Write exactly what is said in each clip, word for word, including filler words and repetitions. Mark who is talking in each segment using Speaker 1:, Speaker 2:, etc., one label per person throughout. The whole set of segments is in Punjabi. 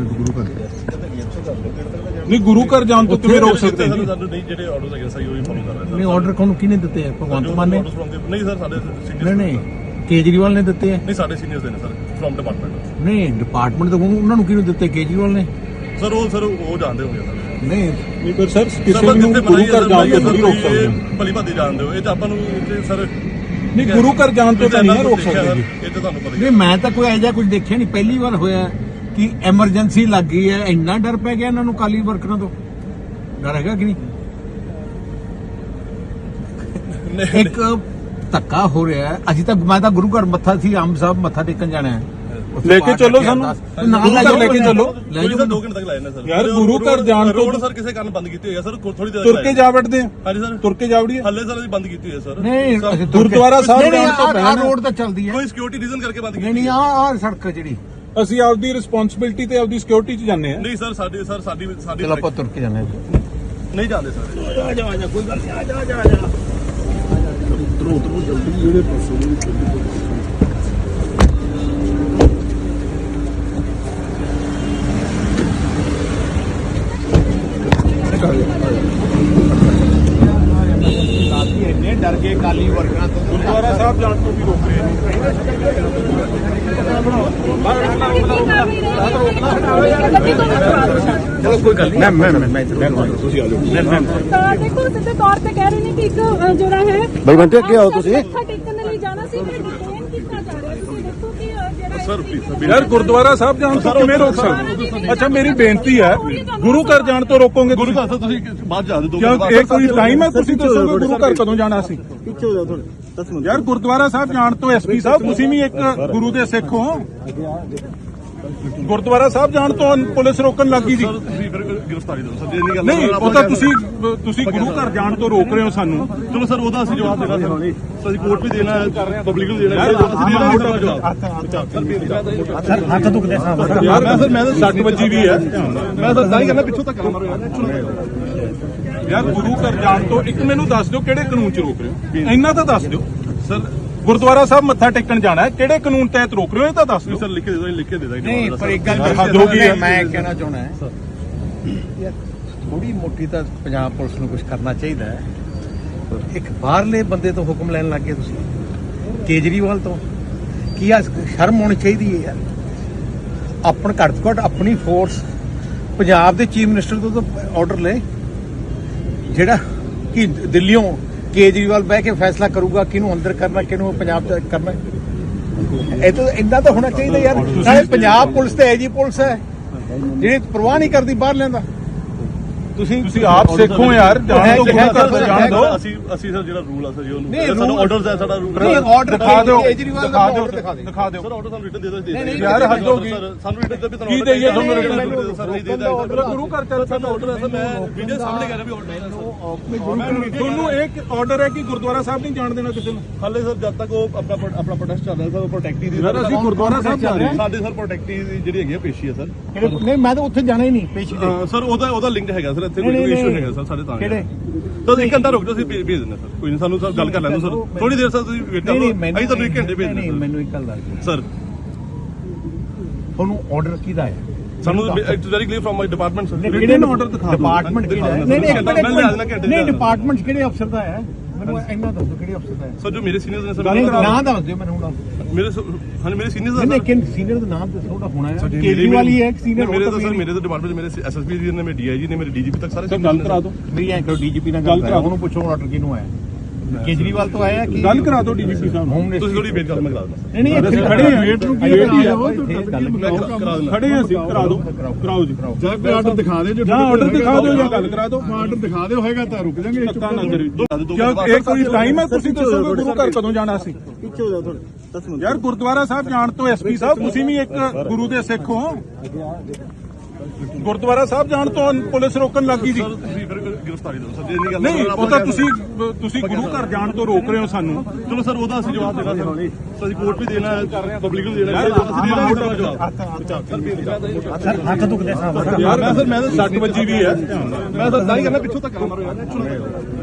Speaker 1: ਗੁਰੂ ਘਰ
Speaker 2: ਨਹੀਂ ਗੁਰੂ ਘਰ ਜਾਣ ਤੋਂ ਕਿਵੇਂ ਰੋਕ ਸਕਦੇ ਜੀ?
Speaker 3: ਸਾਨੂੰ ਨਹੀਂ ਜਿਹੜੇ ਆਰਡਰਸ ਹੈਗੇ ਸਹੀ ਉਹੀ ਫੋਲੋ ਕਰ ਰਹੇ
Speaker 1: ਨਹੀਂ ਆਰਡਰ ਕੋਣ ਕਿਹਨੇ ਦਿੱਤੇ ਆ? ਭਗਵੰਤ ਮਾਨ ਨੇ?
Speaker 3: ਨਹੀਂ ਸਰ ਸਾਡੇ ਸੀਨੀਅਰ
Speaker 1: ਨਹੀਂ ਨਹੀਂ ਕੇਜਰੀਵਾਲ ਨੇ ਦਿੱਤੇ ਆ?
Speaker 3: ਨਹੀਂ ਸਾਡੇ ਸੀਨੀਅਰਸ ਦੇ ਨੇ ਸਰ ਫਰਮ ਡਿਪਾਰਟਮੈਂਟ।
Speaker 1: ਨਹੀਂ ਡਿਪਾਰਟਮੈਂਟ ਤੋਂ ਉਹਨਾਂ ਨੂੰ ਕਿਹਨੂੰ ਦਿੱਤੇ? ਕੇਜਰੀਵਾਲ ਨੇ?
Speaker 3: ਸਰ ਉਹ ਸਰ ਉਹ ਜਾਣਦੇ ਹੋਗੇ ਸਰ।
Speaker 1: ਨਹੀਂ
Speaker 2: ਨਹੀਂ ਪਰ ਸਰ ਕਿਸੇ ਨੂੰ ਗੁਰੂ ਘਰ ਜਾਣ ਤੋਂ ਨਹੀਂ ਰੋਕ ਸਕਦੇ।
Speaker 3: ਭਲੀ ਭਾਦੀ ਜਾਣਦੇ ਹੋ ਇਹ ਤਾਂ ਆਪਾਂ ਨੂੰ ਸਰ
Speaker 2: ਨਹੀਂ ਗੁਰੂ ਘਰ ਜਾਣ ਤੋਂ ਤਾਂ ਨਹੀਂ ਰੋਕ ਸਕਦੇ ਜੀ।
Speaker 3: ਇਹ ਤਾਂ ਤੁਹਾਨੂੰ ਪਤਾ ਹੀ
Speaker 1: ਨਹੀਂ ਮੈਂ ਤਾਂ ਕੋਈ ਐਜਾ ਕੁਝ ਦੇਖਿਆ ਨਹੀਂ, ਪਹਿਲੀ ਵਾਰ ਹੋਇਆ ਕਿ ਐਮਰਜੈਂਸੀ ਲੱਗ ਗਈ ਹੈ। ਇੰਨਾ ਡਰ ਪੈ ਗਿਆ ਇਹਨਾਂ ਨੂੰ ਕਾਲੀ ਵਰਕਰਾਂ ਤੋਂ। ਡਰ ਹੈਗਾ ਕਿ ਨਹੀਂ? ਇੱਕ ਧੱਕਾ ਹੋ ਰਿਹਾ ਹੈ। ਅਸੀਂ ਤਾਂ ਮੈਂ ਤਾਂ ਗੁਰੂ ਘਰ ਮੱਥਾ ਸੀ ਆਮ ਸਾਹਿਬ ਮੱਥਾ ਟੇਕਣ ਜਾਣਾ ਹੈ।
Speaker 2: ਲੈ ਕੇ ਚੱਲੋ ਸਾਨੂੰ ਗੁਰੂ ਘਰ ਲੈ ਕੇ ਚੱਲੋ।
Speaker 1: ਲੈ
Speaker 3: ਸਰ ਦੋ ਘੰਟੇ ਤੱਕ ਲਾਏ ਨੇ ਸਰ।
Speaker 2: ਯਾਰ ਗੁਰੂ ਘਰ ਜਾਣ ਤੋਂ
Speaker 3: ਰੋਡ ਸਰ ਕਿਸੇ ਕਾਰਨ ਬੰਦ ਕੀਤੀ ਹੋਈ ਹੈ ਸਰ। ਥੋੜੀ ਦੇਰ
Speaker 2: ਤੁਰ ਕੇ ਜਾ ਵੜਦੇ ਆ।
Speaker 3: ਹਾਂਜੀ ਸਰ
Speaker 2: ਤੁਰ ਕੇ ਜਾ ਵੜੀਏ।
Speaker 3: ਹੱਲੇ ਸਰ ਅਸੀਂ ਬੰਦ ਕੀਤੀ ਹੋਈ ਹੈ ਸਰ।
Speaker 1: ਨਹੀਂ
Speaker 2: ਗੁਰਦੁਆਰਾ ਸਾਹਿਬ ਜਾਣ ਤੋਂ
Speaker 1: ਆ
Speaker 2: ਪਹਿਲਾਂ
Speaker 1: ਰੋਡ ਤਾਂ ਚੱਲਦੀ ਹੈ।
Speaker 3: ਕੋਈ ਸਿਕਿਉਰਿਟੀ ਰੀਜ਼ਨ ਕਰਕੇ ਬੰਦ ਕੀਤੀ
Speaker 1: ਨਹੀਂ ਨਹੀਂ ਆ ਆ ਸੜਕ ਜਿਹੜੀ
Speaker 2: ਅਸੀਂ ਆਪਦੀ ਰਿਸਪੌਂਸਿਬਿਲਟੀ ਤੇ ਆਪਦੀ ਸਿਕਿਉਰਿਟੀ 'ਚ ਜਾਂਦੇ ਆ।
Speaker 3: ਨਹੀਂ ਸਰ ਸਾਡੀ ਸਰ ਸਾਡੀ ਸਾਡੀ
Speaker 1: ਚਲੋ ਆਪਾਂ ਤੁਰ ਕੇ ਜਾਂਦੇ
Speaker 3: ਨਹੀਂ ਜਾਂਦੇ ਸਰ।
Speaker 1: ਆ ਜਾ ਆ ਜਾ ਕੋਈ ਗੱਲ ਨਹੀਂ ਆ ਜਾ ਆ ਜਾ ਆ ਜਾ ਉਤਰੋ ਉਤਰੋ ਜਲਦੀ ਜਿਹੜੇ ਪਾਸੇ ਇੰਨੇ ਡਰ ਗਏ ਕਾਲੀ ਵਰਕਰਾਂ ਤੋਂ।
Speaker 2: ਗੁਰਦੁਆਰਾ ਸਾਹਿਬ ਜਾਣ ਤੋਂ ਵੀ ਰੋਕ ਰਹੇ ਨੇ।
Speaker 1: ਚਲੋ ਕੋਈ ਗੱਲ ਨਹੀਂ ਮੈਂ ਮੈਂ ਮੈਂ ਤੁਸੀਂ ਆ ਜਾਓ।
Speaker 4: ਤਾਂ ਦੇਖੋ ਸਿੱਧੇ ਤੌਰ ਤੇ ਕਹਿ ਰਹੇ ਨੇ ਕਿ ਇੱਕ ਅ, ਜਿਹੜਾ ਹੈ
Speaker 1: ਬਈ ਬੰਟੇ ਅੱਗੇ ਆਓ ਤੁਸੀਂ।
Speaker 4: ਮੱਥਾ ਟੇਕਣ ਦੇ ਲਈ ਜਾਣਾ ਸੀ ਫਿਰ ਡਿਟੇਨ ਕੀਤਾ ਜਾ ਰਿਹਾ। ਤੁਸੀਂ ਦੇਖੋ ਕਿ ਅ, ਜਿਹੜਾ
Speaker 3: ਸਰ ਪਲੀਜ਼
Speaker 2: ਯਾਰ ਗੁਰਦੁਆਰਾ ਸਾਹਿਬ ਜਾਣ ਤੋਂ ਕਿਵੇਂ ਰੋਕ ਸਕਦੇ? ਅੱਛਾ ਮੇਰੀ ਬੇਨਤੀ ਹੈ ਗੁਰੂ ਘਰ ਜਾਣ ਤੋਂ ਰੋਕੋਗੇ
Speaker 3: ਗੁਰੂ
Speaker 2: ਤੁਸੀਂ?
Speaker 3: ਘਰ ਤੁਸੀਂ ਬਾਅਦ ਜਾ ਦੋ
Speaker 2: ਕਿਉਂ ਇਹ ਕੋਈ ਟਾਈਮ ਹੈ? ਤੁਸੀਂ ਦੱਸੋਗੇ ਗੁਰੂ ਘਰ ਕਦੋਂ ਜਾਣਾ ਸੀ?
Speaker 3: ਪਿੱਛੇ ਹੋ ਜਾਓ ਥੋੜੇ ਦਸ ਮਿੰਟ।
Speaker 2: ਯਾਰ ਗੁਰਦੁਆਰਾ ਸਾਹਿਬ ਜਾਣ ਤੋਂ ਐਸਪੀ ਸਾਹਿਬ ਤੁਸੀਂ ਵੀ ਇੱਕ ਗੁਰੂ ਦੇ ਸਿੱਖ ਹੋ। ਗੁਰਦੁਆਰਾ ਸਾਹਿਬ ਜਾਣ ਤੋਂ ਪੁਲਿਸ ਰੋਕਣ ਲੱਗੀ ਜੀ।
Speaker 3: ਸਰ ਤੁਸੀਂ ਫਿਰ ਗ੍ਰਿਫਤਾਰੀ ਦਿਓ ਸਰ। ਜੇ ਨਹੀਂ ਗੱਲ
Speaker 2: ਨਹੀਂ ਉਹ ਤਾਂ ਤੁਸੀਂ ਤੁਸੀਂ ਗੁਰੂ ਘਰ ਜਾਣ ਤੋਂ ਰੋਕ ਰਹੇ ਹੋ ਸਾਨੂੰ।
Speaker 3: ਚਲੋ ਸਰ ਉਹਦਾ ਅਸੀਂ ਜਵਾਬ ਦੇਣਾ ਸਰ। ਅਸੀਂ ਕੋਰਟ ਵੀ ਦੇਣਾ ਹੈ ਪਬਲਿਕ ਨੂੰ ਦੇਣਾ ਹੈ। ਅਸੀਂ ਦੇਣਾ ਹੈ ਜਵਾਬ।
Speaker 1: ਸਰ ਹੱਥ ਦੁਖਦੇ ਸਾਹਿਬ।
Speaker 2: ਯਾਰ ਮੈਂ ਸਰ ਮੈਂ ਤਾਂ ਸੱਟ ਵੱਜੀ ਵੀ ਹੈ।
Speaker 3: ਮੈਂ ਤਾਂ ਤਾਂ ਹੀ ਕਹਿੰਦਾ ਪਿੱਛੋਂ ਤੱਕ ਮਾਰੋ ਯਾਰ।
Speaker 2: ਯਾਰ ਗੁਰੂ ਘਰ ਜਾਣ ਤੋਂ ਇੱਕ ਮੈਨੂੰ ਦੱਸ ਦਿਓ ਕਿਹੜੇ ਕਾਨੂੰਨ 'ਚ ਰੋਕ ਰਹੇ ਹੋ? ਇੰਨਾ ਤਾਂ ਦੱਸ ਦਿਓ।
Speaker 3: ਸਰ
Speaker 2: ਗੁਰਦੁਆਰਾ ਸਾਹਿਬ ਮੱਥਾ ਟੇਕਣ ਜਾਣਾ ਹੈ, ਕਿਹੜੇ ਕਾਨੂੰਨ ਤਹਿਤ ਰੋਕ ਰਹੇ ਹੋ ਇਹ ਤਾਂ ਦੱਸ ਦਿਓ।
Speaker 3: ਸਰ ਲਿਖ ਕੇ ਦੇ ਦੋ ਲਿਖ ਕੇ ਦੇ ਦਾਂਗੇ।
Speaker 1: ਨਹੀਂ ਪਰ ਇੱਕ ਗੱਲ
Speaker 2: ਹੱਦ ਹੋ ਗਈ ਹੈ।
Speaker 1: ਮੈਂ ਕਹਿਣਾ ਚਾਹੁੰਦਾ ਹੈ ਯਾਰ ਥੋੜੀ ਮੋਟੀ ਤਾਂ ਪੰਜਾਬ ਪੁਲਿਸ ਨੂੰ ਕੁਝ ਕਰਨਾ ਚਾਹੀਦਾ ਹੈ। ਇੱਕ ਬਾਹਰਲੇ ਬੰਦੇ ਤੋਂ ਹੁਕਮ ਲੈਣ ਲੱਗ ਗਏ ਤੁਸੀਂ, ਕੇਜਰੀਵਾਲ ਤੋਂ। ਕੀ ਆ ਸ਼ਰਮ ਹੋਣੀ ਚਾਹੀਦੀ ਹੈ ਯਾਰ। ਆਪਣ ਘੱਟ ਤੋਂ ਘੱਟ ਆਪਣੀ ਫੋਰਸ ਪੰਜਾਬ ਦੇ ਚੀਫ ਮਿਨਿਸਟਰ ਤੋਂ ਤਾਂ ਆਰਡਰ ਲੈ ਜਿਹੜਾ ਕਿ ਦਿੱਲੀੋਂ ਕੇਜਰੀਵਾਲ ਬਹਿ ਕੇ ਫੈਸਲਾ ਕਰੂਗਾ ਕਿਹਨੂੰ ਅੰਦਰ ਕਰਨਾ ਕਿਹਨੂੰ ਪੰਜਾਬ ਚ ਕਰਨਾ। ਇਹ ਤਾਂ ਇੰਨਾ ਤਾਂ ਹੋਣਾ ਚਾਹੀਦਾ ਯਾਰ। ਨਾਲੇ ਪੰਜਾਬ ਪੁਲਿਸ ਤੇ ਐਜੀ ਪੁਲਿਸ ਹੈ ਜਿਹੜੀ ਪਰਵਾਹ ਨਹੀਂ ਕਰਦੀ ਬਾਹਰ ਲੈਂਦਾ। ਤੁਸੀਂ
Speaker 2: ਤੁਸੀਂ ਆਪ ਸਿੱਖੋ ਯਾਰ। ਜਾਣ ਤੋਂ ਗੁਰੂ ਘਰ ਤੋਂ ਜਾਣ ਦਿਓ।
Speaker 3: ਅਸੀਂ ਅਸੀਂ ਸਰ ਜਿਹੜਾ ਰੂਲ ਆ ਸਰ ਜੀ
Speaker 1: ਨਹੀਂ,
Speaker 3: ਉਹਨੂੰ ਸਾਨੂੰ ਆਰਡਰਸ ਹੈ ਸਾਡਾ ਰੂਲ।
Speaker 1: ਨਹੀਂ ਆਰਡਰ
Speaker 2: ਦਿਖਾ ਦਿਓ
Speaker 1: ਕੇਜਰੀਵਾਲ ਦਾ
Speaker 2: ਦਿਖਾ ਦਿਓ
Speaker 1: order ਦਿਖਾ ਦਿਓ।
Speaker 2: ਦਿਖਾ ਦਿਓ।
Speaker 3: ਸਰ ਆਰਡਰ ਸਾਨੂੰ ਰਿਟਨ ਦੇ ਦੋ ਦੇ
Speaker 1: ਨਹੀਂ,
Speaker 2: ਯਾਰ ਹੱਦ ਹੋ ਗਈ।
Speaker 3: ਸਾਨੂੰ ਰਿਟਨ ਦੇ ਵੀ
Speaker 2: ਕੀ ਦੇਈਏ ਤੁਹਾਨੂੰ ਰਿਟਨ?
Speaker 3: ਸਰ ਨਹੀਂ ਦੇ ਦਾਂਗੇ
Speaker 2: ਗੁਰੂ ਘਰ ਚੱਲ
Speaker 3: ਸਾਡਾ ਆਰਡਰ ਹੈ ਸਰ। ਮੈਂ ਵੀਡੀਓ ਸਾਹਮਣੇ ਕਰ ਰਿਹਾ ਵੀ ਆਰਡਰ ਹੈ।
Speaker 2: ਤੁਹਾਨੂੰ ਇੱਕ ਆਰਡਰ ਹੈ ਕਿ ਗੁਰਦੁਆਰਾ ਸਾਹਿਬ ਨਹੀਂ ਜਾਣ ਦੇਣਾ ਕਿਸੇ ਨੂੰ।
Speaker 3: ਹਾਲੇ ਸਰ ਜਦ ਤੱਕ ਉਹ ਆਪਣਾ ਆਪਣਾ ਪ੍ਰੋਟੈਸਟ ਚੱਲ ਰਿਹਾ ਸਰ ਪ੍ਰੋਟੈਕਟੀ ਦੀ।
Speaker 2: ਯਾਰ ਅਸੀਂ ਗੁਰਦੁਆਰਾ ਸਾਹਿਬ ਜਾ ਰਹੇ ਹਾਂ।
Speaker 3: ਸਾਡੇ ਸਰ ਪ੍ਰੋਟੈਕਟੀ ਦੀ ਜਿਹੜੀ ਹੈਗੀ ਆ ਪੇਸ਼ੀ ਹੈ ਸਰ।
Speaker 1: ਨਹੀਂ ਮੈਂ ਤਾਂ ਉੱਥੇ ਜਾਣਾ ਹੀ ਨਹੀਂ ਪੇਸ਼ੀ ਤੇ।
Speaker 3: ਸਰ ਉਹਦਾ ਉਹਦਾ ਲਿੰਕ ਹੈਗਾ ਸਰ। ਇੱਥੇ ਕੋਈ ਇਸ਼ੂ ਹੈਗਾ ਸਰ ਸਾਡੇ ਤਾਂ।
Speaker 1: ਕਿਹੜੇ?
Speaker 3: ਤਾਂ ਇੱਕ ਘੰਟਾ ਰੁਕ ਜਾਓ ਅਸੀਂ ਭੇਜ ਦਿੰਦੇ ਸਰ। ਕੋਈ ਨਹੀਂ ਸਾਨੂੰ ਸਰ ਗੱਲ ਕਰ ਲੈਣ ਦਿਓ ਸਰ। ਥੋੜੀ ਦੇਰ ਸਰ ਤੁਸੀਂ ਵੇਟ ਕਰੋ। ਅਸੀਂ ਤੁਹਾਨੂੰ ਇੱਕ ਘੰਟੇ ਭੇਜ ਦਿੰਦੇ
Speaker 1: ਨਹੀਂ ਮੈਨੂੰ ਇੱਕ ਗੱਲ ਦੱਸ ਦਿਓ
Speaker 3: ਸਰ।
Speaker 1: ਤੁਹਾਨੂੰ ਆਰਡਰ ਕਿਹਦਾ ਹੈ?
Speaker 3: ਸਾਨੂੰ it's very clear from my department sir.
Speaker 1: ਕਿਹੜੇ ਆਰਡਰ ਦਿਖਾ ਦਿਓ। ਡਿਪਾਰਟਮੈਂਟ ਕਿਹੜਾ ਹੈ? ਨਹੀਂ ਨਹੀਂ ਨਹੀਂ ਡਿਪਾਰਟਮੈਂਟ ਕਿਹੜੇ ਅਫਸਰ ਦਾ ਹੈ? ਮੈਨੂੰ ਇੰਨਾ ਦੱਸੋ ਕਿਹੜੇ ਅਫਸਰ ਦਾ ਹੈ?
Speaker 3: ਸਰ ਜੋ ਮੇਰੇ ਸੀਨੀਅਰਸ ਨੇ ਸਰ।
Speaker 1: ਨਾਮ ਦੱਸ ਦਿਓ ਮੈਨੂੰ ਹੁਣ।
Speaker 3: ਮੇਰੇ ਹਾਂ ਮੇਰੇ ਸੀਨੀਅਰਸ
Speaker 1: ਨਹੀਂ ਲੇਕਿਨ ਸੀਨੀਅਰ ਦਾ ਨਾਮ ਦੱਸੋ ਉਹਦਾ ਹੋਣਾ ਹੈ। ਕੇਜਰੀਵਾਲ ਹੀ ਹੈ ਇੱਕ ਸੀਨੀਅਰ।
Speaker 3: ਮੇਰੇ ਤਾਂ ਸਰ ਮੇਰੇ ਤਾਂ ਡਿਪਾਰਟਮੈਂਟ ਮੇਰੇ ਐਸਐਸਪੀ ਜੀ ਨੇ ਮੇਰੇ ਡੀਆਈਜੀ ਨੇ ਮੇਰੇ ਡੀਜੀਪੀ ਤੱਕ ਸਾਰੇ
Speaker 2: ਗੱਲ ਕਰਾ ਦਿਓ।
Speaker 1: ਮੇਰੀ ਐਂ ਕਰੋ ਡੀਜੀਪੀ ਨਾਲ ਗੱਲ ਕਰਾ ਉਹਨੂੰ ਪੁੱਛੋ ਆਰਡਰ ਕਿਹਨੂੰ ਆਇਆ। ਕੇਜਰੀਵਾਲ ਤੋਂ ਆਇਆ ਕਿ
Speaker 2: ਗੱਲ ਕਰਾ ਦਿਓ ਡੀਜੀਪੀ ਸਾਹਿਬ ਨੂੰ।
Speaker 1: Home minister.
Speaker 3: ਤੁਸੀਂ ਥੋੜੀ ਵੇਟ ਕਰੋ ਮੈਂ ਕਰਾ ਦਿੰਦਾ।
Speaker 1: ਨਹੀਂ ਨਹੀਂ ਇੱਥੇ
Speaker 2: ਖੜੇ ਹਾਂ।
Speaker 1: ਵੇਟ ਨੂੰ ਕੀ
Speaker 2: ਵੇਟ ਹੀ ਆ।
Speaker 3: ਕਰਾ ਦਿੰਦਾ।
Speaker 2: ਖੜੇ ਹਾਂ ਅਸੀਂ। ਕਰਾ ਦਿਓ ਕਰਾਓ ਜੀ।
Speaker 5: ਜਾਂ ਕੋਈ ਆਰਡਰ ਦਿਖਾ ਦੇ ਜੋ
Speaker 2: ਜਾਂ ਆਰਡਰ ਦਿਖਾ ਦਿਓ ਜਾਂ ਗੱਲ ਕਰਾ ਦਿਓ।
Speaker 5: ਆਰਡਰ ਦਿਖਾ ਦਿਓ ਹੋਏਗਾ ਤਾਂ ਰੁਕ ਜਾਾਂਗੇ।
Speaker 2: ਧੱਕਾ ਨਾ ਕਰਿਓ। ਕਿਉਂ ਇਹ ਕੋਈ ਟਾਈਮ ਹੈ? ਤੁਸੀਂ ਦੱਸੋਗੇ ਗੁਰੂ ਘਰ ਕਦੋਂ ਜਾਣਾ ਸੀ?
Speaker 5: ਪਿੱਛੇ ਹੋ ਜਾਓ ਥੋੜੇ ਦਸ ਮਿੰਟ।
Speaker 2: ਯਾਰ ਗੁਰਦੁਆਰਾ ਸਾਹਿਬ ਜਾਣ ਤੋਂ ਐਸਪੀ ਸਾਹਿਬ ਤੁਸੀਂ ਵੀ ਇੱਕ ਗੁਰੂ ਦੇ ਸਿੱਖ ਹੋ। ਗੁਰਦੁਆਰਾ ਸਾਹਿਬ ਜਾਣ ਤੋਂ ਪੁਲਿਸ ਰੋਕਣ ਲੱਗੀ ਜੀ।
Speaker 3: ਸਰ ਤੁਸੀਂ ਫਿਰ ਗ੍ਰਿਫਤਾਰੀ ਦਿਓ ਸਰ। ਜੇ ਨਹੀਂ ਗੱਲ
Speaker 2: ਨਹੀਂ ਉਹ ਤਾਂ ਤੁਸੀਂ ਤੁਸੀਂ ਗੁਰੂ ਘਰ ਜਾਣ ਤੋਂ ਰੋਕ ਰਹੇ ਹੋ ਸਾਨੂੰ।
Speaker 3: ਚਲੋ ਸਰ ਉਹਦਾ ਅਸੀਂ ਜਵਾਬ ਦੇਣਾ ਸਰ। ਅਸੀਂ ਕੋਰਟ ਵੀ ਦੇਣਾ ਹੈ ਪਬਲਿਕ ਨੂੰ ਦੇਣਾ ਹੈ। ਅਸੀਂ ਦੇਣਾ ਹੈ ਜਵਾਬ।
Speaker 1: ਸਰ ਹੱਥ ਦੁਖਦੇ ਸਾਹਿਬ।
Speaker 2: ਯਾਰ ਮੈਂ ਸਰ ਮੈਂ ਤਾਂ ਸੱਟ ਵੱਜੀ ਵੀ ਹੈ।
Speaker 3: ਮੈਂ ਤਾਂ ਤਾਂ ਹੀ ਕਹਿੰਦਾ ਪਿੱਛੋਂ ਤੱਕ ਮਾਰੋ ਯਾਰ।